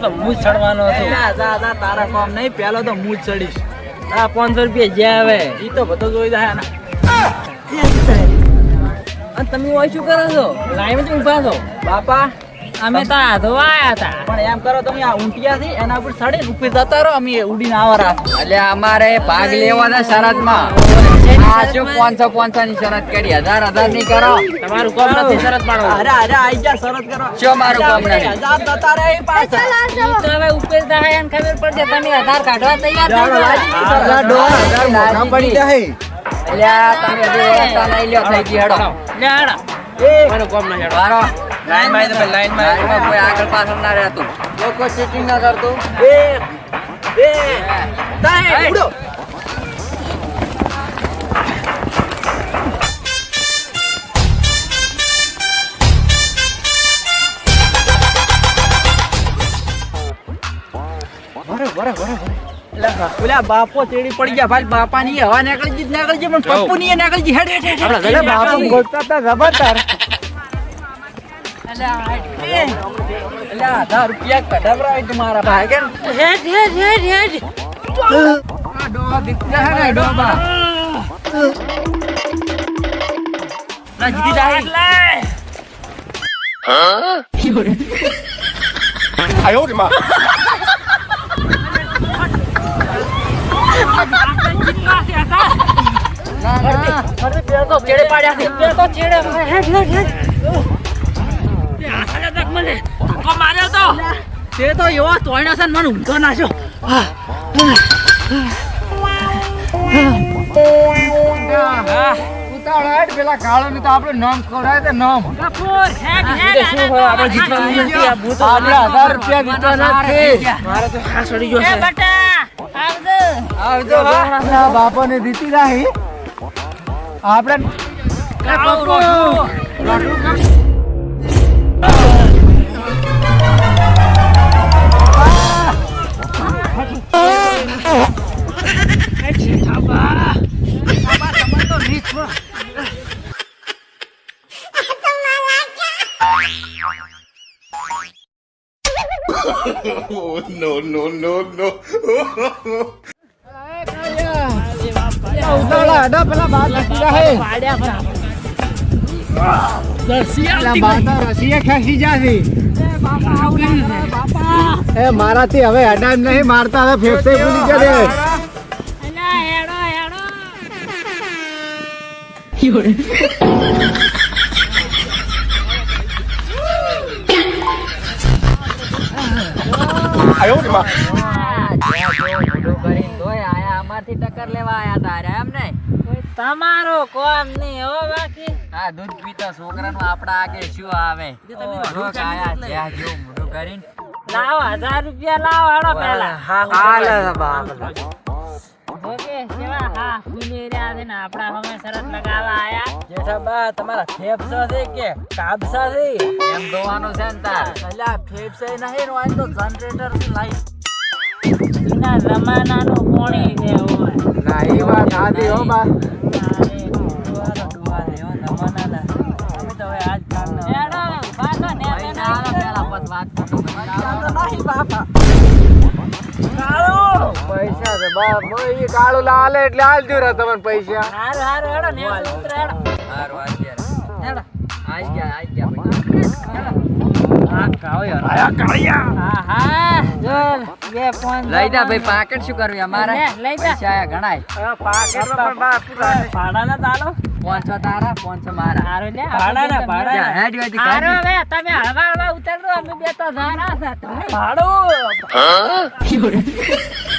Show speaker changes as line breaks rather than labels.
તો હું જ ચડવાનો હતો.
જા તારા કામ નહીં, પેલો તો હું જ ચડીશ.
આ 500 રૂપિયા જ્યાં આવે
ઈ તો બધો જોઈ જાય ને.
અને તમે હોય શું કરો છો? લાઈન જ ઊભા છો
બાપા
અમે તો આધો આયા હતા.
પણ એમ કરો તમે આ ઊંટિયા થી એના ઉપર ચડે ઉપર જતા રહો, અમે ઉડીને આવરા.
એટલે અમારે ભાગ લેવાના શરતમાં આ શું 500 ની શરત કરી, 1000 ની કરો.
તમારું કામ નથી શરત પાડો.
અરે આઈ જા શરત કરો.
શું મારું કામ નથી?
1000 જતા રહે પાછા.
ઈ તો હવે ઉપર થાય એને ખબર પડશે તમે આધાર કાઢવા તૈયાર થઈ જાઓ.
પડી જાય. એટલે તમે હજુ વ્યવસ્થા નહીં લ્યો, થઈ ગઈ હેડો.
લે હાડા.
મારું કામ નહીં હેડો.
મારો
લાઈન માં તમે લાઈન
લાઈનમાં કોઈ આગળ પાછળ ના રહેતું, લોકો ચીટિંગ ના કરતું.
1 2 3 ઉડો. ઓલા બાપો ચેડી પડી ગયા ભાઈ, બાપા ની હવા નીકળી ગઈ પણ પપ્પુ ની નીકળી ગઈ. હેડ
એટલે બાપુ ગોતતા હતા જબરદાર.
એટલે 1000 રૂપિયા કઢાવરાય તમારા ભાઈ કે
હેડ
આ ડોહા દીકરા હે ને ડોબા ના જીતી જાય.
哎呦我的妈！
ચેડે પાડ્યા છે. બે તો ચેડે હેડ આસાને તક મને ધક્કો માર્યો તો.
તે તો એવો તોયણા છે ને મને ઊંઘો નાખ્યો.
પેલા કાળો ને તો આપણે નામ ખવડાય તો નામ
કપૂર હેડ
શું હોય આપણે જીતવાનું નથી. આ ભૂત
આપણે 1000 રૂપિયા જીતવાના છે.
મારે તો ખાસ ચડી ગયો
એ
છે.
બટા આવજો.
આવજો
આપણા બાપાને જીતી રહી આપણે
કાળો રોટલો.
Oh no no no no!
ઉતાવળા હડો પેલા બાર જીતી રહે.
પાડ્યા બરાબર.
પેલા બાર તો રસીએ ખેંચી જાશે. એ મારાથી હવે હડામ નહીં મારતા, હવે ફેફસે ભૂલી જશે.
અલા હેડો હેડો.
哎呦我的妈！
અમારથી ટક્કર લેવા આયા તારે એમ ને.
તમારો કોમ નહીં હો બાકી.
આ દૂધ પીતા છોકરાનું આપડા આગે શું આવે? મોઢું કાયા જ્યાં જો મોઢું કરીને
લાવો 1000 રૂપિયા લાવો હેડો પહેલા. ઓકે કેવા હા ફૂલી રહ્યા છે ને આપડા હમે શરત લગાવવા આયા.
જેઠાબા તમારા ફેફસા છે કે કાબસા છે?
એમ જોવાનું છે ને તાર.
અલ્યા ફેફસા નહીં હોય તો જનરેટર લાઈટ
જૂના જમાનાનું પાણી છે હોય.
ના એ વાત સાચી હો બા.
હેડો પાછો ને
વાત કરું. પૈસા છે બા, મોય કાળું લાલે એટલે આલજો રે તમને પૈસા.
હારું હારું હેડો ને ઉતરે હેડો.
હારું આજ
હેડો.
ગયા
આ કાળો યાર આયા કાળિયા.
હા જો 2
લઈ જા ભાઈ, પાકેટ શું કરવી અમારે?
લઈ જા.
પૈસા આયા ગણાય.
પાકેટમાં પણ બા પૂરા ભાડાના તાલો
500 તારા 500 મારા.
હારું લે
ભાડાના
જા,
ભાડા
હેડ વાથી
હારું
કાઢી.
હવે તમે હળવા હળવા ઉતરજો અમે બે તો ધારા હતા.
ભાડું